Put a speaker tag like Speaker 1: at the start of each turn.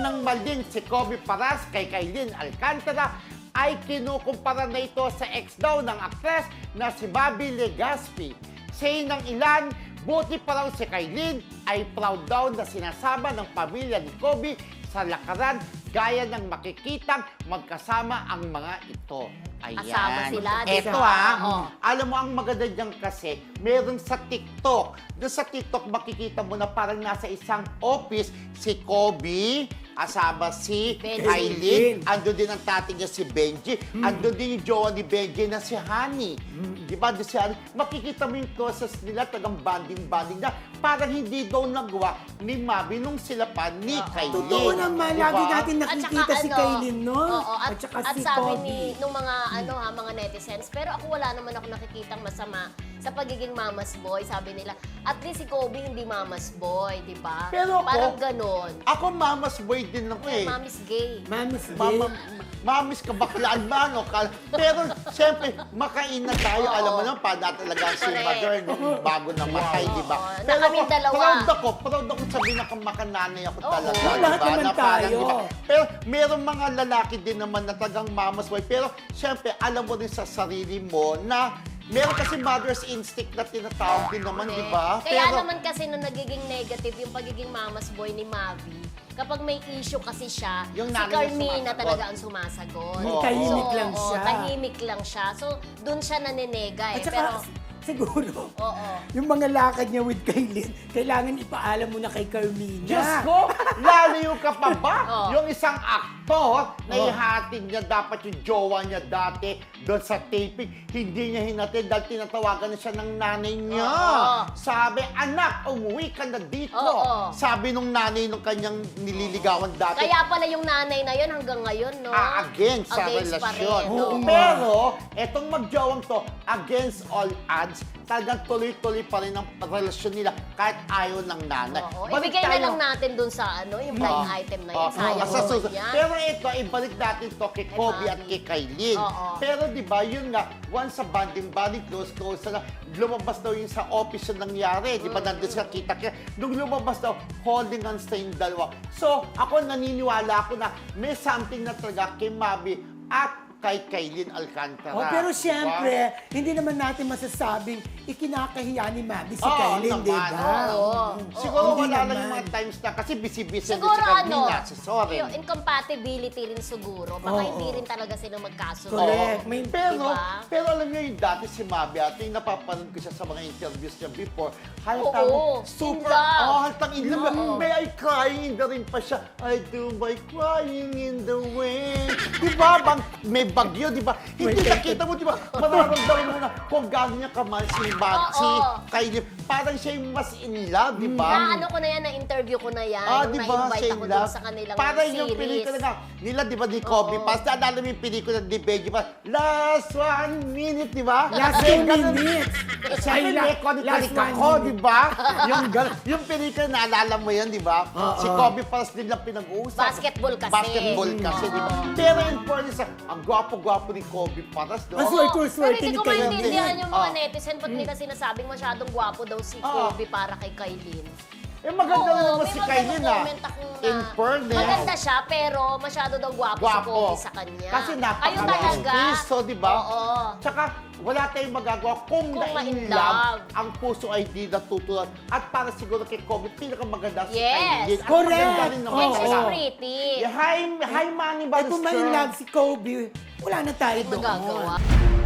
Speaker 1: ng maling si Kobe Paras kay Kailin Alcantara ay kinukumpara na ito sa ex daw ng aktres na si Bobby Legaspi. Say ng ilan, buti pa raw si Kailin ay proud daw na sinasama ng pamilya ni Kobe sa lakaran gaya ng makikitang magkasama ang mga ito. Ayan.
Speaker 2: Kasama sila, di
Speaker 1: Eto
Speaker 2: ba?
Speaker 1: ha, alam mo ang maganda dyan kasi, meron sa TikTok. Doon sa TikTok makikita mo na parang nasa isang office si Kobe, asama si
Speaker 2: Benji.
Speaker 1: Aileen, andun din ang tatay niya si Benji, andun din yung jowa ni Benji na si Honey. Di ba? Doon si Honey, makikita mo yung process nila, tagang banding-banding na parang hindi daw nagawa ni Mabi nung sila pa ni Kailin.
Speaker 3: Totoo naman,
Speaker 1: Di ba?
Speaker 3: lagi natin
Speaker 2: At
Speaker 3: nakikita
Speaker 2: saka
Speaker 3: si
Speaker 2: ano,
Speaker 3: Kailin, no?
Speaker 2: Oo, at
Speaker 3: saka si
Speaker 2: sabi
Speaker 3: Kobe.
Speaker 2: nung mga mga netizens, pero ako wala naman ako nakikitang masama sa pagiging mama's boy. Sabi nila, at least si Kobe hindi mama's boy, di ba?
Speaker 1: Pero ako,
Speaker 2: parang ganon.
Speaker 1: Ako mama's boy din ako eh.
Speaker 2: Mommy's gay.
Speaker 3: Mami's
Speaker 1: Mama,
Speaker 3: Day.
Speaker 1: mamis kabaklaan ba, no? Pero, siyempre, makain na tayo.
Speaker 2: Oo.
Speaker 1: Alam mo naman, para talaga si
Speaker 2: Correct.
Speaker 1: mother nung bago namatay, di ba?
Speaker 2: Oo.
Speaker 1: Pero
Speaker 2: Na kaming dalawa.
Speaker 1: proud ako sabihin na makananay ako
Speaker 2: Oo.
Speaker 1: talaga.
Speaker 3: Oo,
Speaker 1: di
Speaker 3: lahat
Speaker 1: ba?
Speaker 3: naman
Speaker 1: Na parang,
Speaker 3: tayo.
Speaker 1: di ba? Pero, merong mga lalaki din naman na tagang mamas boy. Pero, siyempre, alam mo rin sa sarili mo na meron kasi mother's instinct na tinatawag din naman, di ba?
Speaker 2: Kaya
Speaker 1: Pero,
Speaker 2: naman kasi nung nagiging negative yung pagiging mama's boy ni Mavi, kapag may issue kasi siya,
Speaker 1: Yung
Speaker 2: si
Speaker 1: nanay na
Speaker 2: Carmina
Speaker 1: sumasagot.
Speaker 2: talaga ang sumasagot.
Speaker 1: Oo.
Speaker 3: Tahimik lang
Speaker 2: oo,
Speaker 3: siya.
Speaker 2: tahimik lang siya. So, dun siya naninega eh.
Speaker 3: At saka,
Speaker 2: Pero,
Speaker 3: siguro,
Speaker 2: oo.
Speaker 3: yung mga lakad niya with Kailin, kailangan ipaalam mo na kay Carmina.
Speaker 1: Diyos ko, lalayo ka pa ba?
Speaker 2: Oo.
Speaker 1: Yung isang aktor na ihatid niya dapat yung jowa niya dati doon sa taping, hindi niya hinatid dahil tinatawagan na siya ng nanay niya.
Speaker 2: Oo.
Speaker 1: Sabi, anak, umuwi ka na dito.
Speaker 2: Oo.
Speaker 1: Sabi nung nanay nung kanyang nililigawan dati,
Speaker 2: Kaya pala yung nanay na yun hanggang ngayon, no?
Speaker 1: against sa
Speaker 2: Against pa
Speaker 1: relasyon.
Speaker 2: rin,
Speaker 3: Oo.
Speaker 2: oo.
Speaker 1: Pero, etong magjawang to, against all odds, talagang tuloy-tuloy pa rin ang relasyon nila kahit ayaw ng nanay.
Speaker 2: Oo.
Speaker 1: Balik
Speaker 2: Ibigay na
Speaker 1: tayo-
Speaker 2: lang natin dun sa yung blind item na yun. Sayang
Speaker 1: sa
Speaker 2: naman
Speaker 1: susunod.
Speaker 2: yan.
Speaker 1: Pero ito, ibalik natin to kay Kobe at
Speaker 2: Mami.
Speaker 1: kay Kailin.
Speaker 2: Oo.
Speaker 1: Pero di ba, yun nga, once sa banding-banding, close na, lumabas daw yung sa office yung nangyari. Di ba, nandun sila kita. Nung lumabas daw, holding hands na yung dalawa. So, ako naniniwala ako na may something na talaga kay Mabi at kay Kailin Alcantara.
Speaker 3: Oh, pero
Speaker 1: Di ba?
Speaker 3: siyempre, hindi naman natin masasabing ikinakahiya ni Mabi si
Speaker 1: Oo,
Speaker 3: Kailin, di
Speaker 1: naman.
Speaker 3: ba?
Speaker 2: Oo.
Speaker 1: Siguro
Speaker 3: Hindi
Speaker 1: wala lang
Speaker 3: naman.
Speaker 1: yung mga times na kasi busy-busy din
Speaker 2: Siguro
Speaker 1: si Carmina,
Speaker 2: ano,
Speaker 1: si Soren.
Speaker 2: yung incompatibility rin siguro. Baka
Speaker 3: Oo.
Speaker 2: hindi rin talaga sila magkasundo.
Speaker 3: Correct.
Speaker 1: Oo.
Speaker 3: May-
Speaker 1: pero,
Speaker 2: Diba?
Speaker 1: pero alam niyo yung dati si Mabi at yung napapanood ko siya sa mga interviews niya before, halatang
Speaker 2: Oo,
Speaker 1: super,
Speaker 2: in love.
Speaker 1: halatang in love. May I crying in the rain pa siya. I do my crying in the rain. Diba? Bang, may bagyo, diba? Hindi nakita mo, diba? Mararamdaman mo na kung gaano niya kamahal si
Speaker 2: Oo.
Speaker 1: si Kailin. Parang siya yung mas in love, diba?
Speaker 2: Na ano ko na yan, na-interview ko na yan.
Speaker 1: Ah,
Speaker 2: yung
Speaker 1: di ba?
Speaker 2: na-invite
Speaker 1: Siya
Speaker 2: ako
Speaker 1: in
Speaker 2: dun
Speaker 1: love.
Speaker 2: sa kanilang
Speaker 1: Parang
Speaker 2: series.
Speaker 1: yung pelikula nga, nila, di ba, ni Kobe
Speaker 2: Oo.
Speaker 1: Pass. Naalala mo yung pelikula ni Benji Pass, Last 1 Minute, di ba?
Speaker 3: Last
Speaker 1: May
Speaker 3: 2
Speaker 1: ganun-
Speaker 3: minutes.
Speaker 1: Siyempre,
Speaker 3: Ay,
Speaker 1: may konik
Speaker 3: last one
Speaker 1: ako,
Speaker 3: minute.
Speaker 1: di ba? Yung pelikula, naalala mo yan, di ba? Si Kobe Pass din lang pinag-uusap.
Speaker 2: Basketball kasi.
Speaker 1: Basketball kasi, di ba? Pero in fairness, ang gwapo-gwapo ni Kobe Pass, no?
Speaker 3: Ang
Speaker 2: Oo.
Speaker 3: swerte-swerte
Speaker 2: Pero hindi
Speaker 3: ni
Speaker 2: ko
Speaker 3: Kailin.
Speaker 2: maintindihan yung mga
Speaker 1: Ah.
Speaker 2: netizen ba't nila sinasabing masyadong gwapo daw si Kobe para kay Kailin.
Speaker 1: Eh, maganda
Speaker 2: Oo,
Speaker 1: naman
Speaker 2: may
Speaker 1: si
Speaker 2: mga
Speaker 1: Kailin,
Speaker 2: ganung
Speaker 1: ah.
Speaker 2: comment akong
Speaker 1: In fairness.
Speaker 2: maganda siya, pero masyado daw gwapo si
Speaker 1: Gwapo.
Speaker 2: Kobe sa kanya.
Speaker 1: Kasi
Speaker 2: Kayo talaga.
Speaker 1: napaka-artisto, di ba?
Speaker 2: Oo.
Speaker 1: Tsaka, wala tayong magagawa kung
Speaker 2: Kung
Speaker 1: na-in
Speaker 2: ma-in
Speaker 1: love,
Speaker 2: love.
Speaker 1: ang puso ay di natutulan. At para siguro kay Kobe, pinakamaganda si
Speaker 2: Yes.
Speaker 1: Kailin. At
Speaker 3: Correct.
Speaker 1: maganda rin naman
Speaker 2: And she's
Speaker 1: talaga.
Speaker 2: pretty.
Speaker 1: Yeah, hi, Manny
Speaker 3: Eh kung
Speaker 1: Ballester.
Speaker 3: may love si Kobe, wala na tayo
Speaker 2: Hindi
Speaker 3: doon.
Speaker 2: magagawa.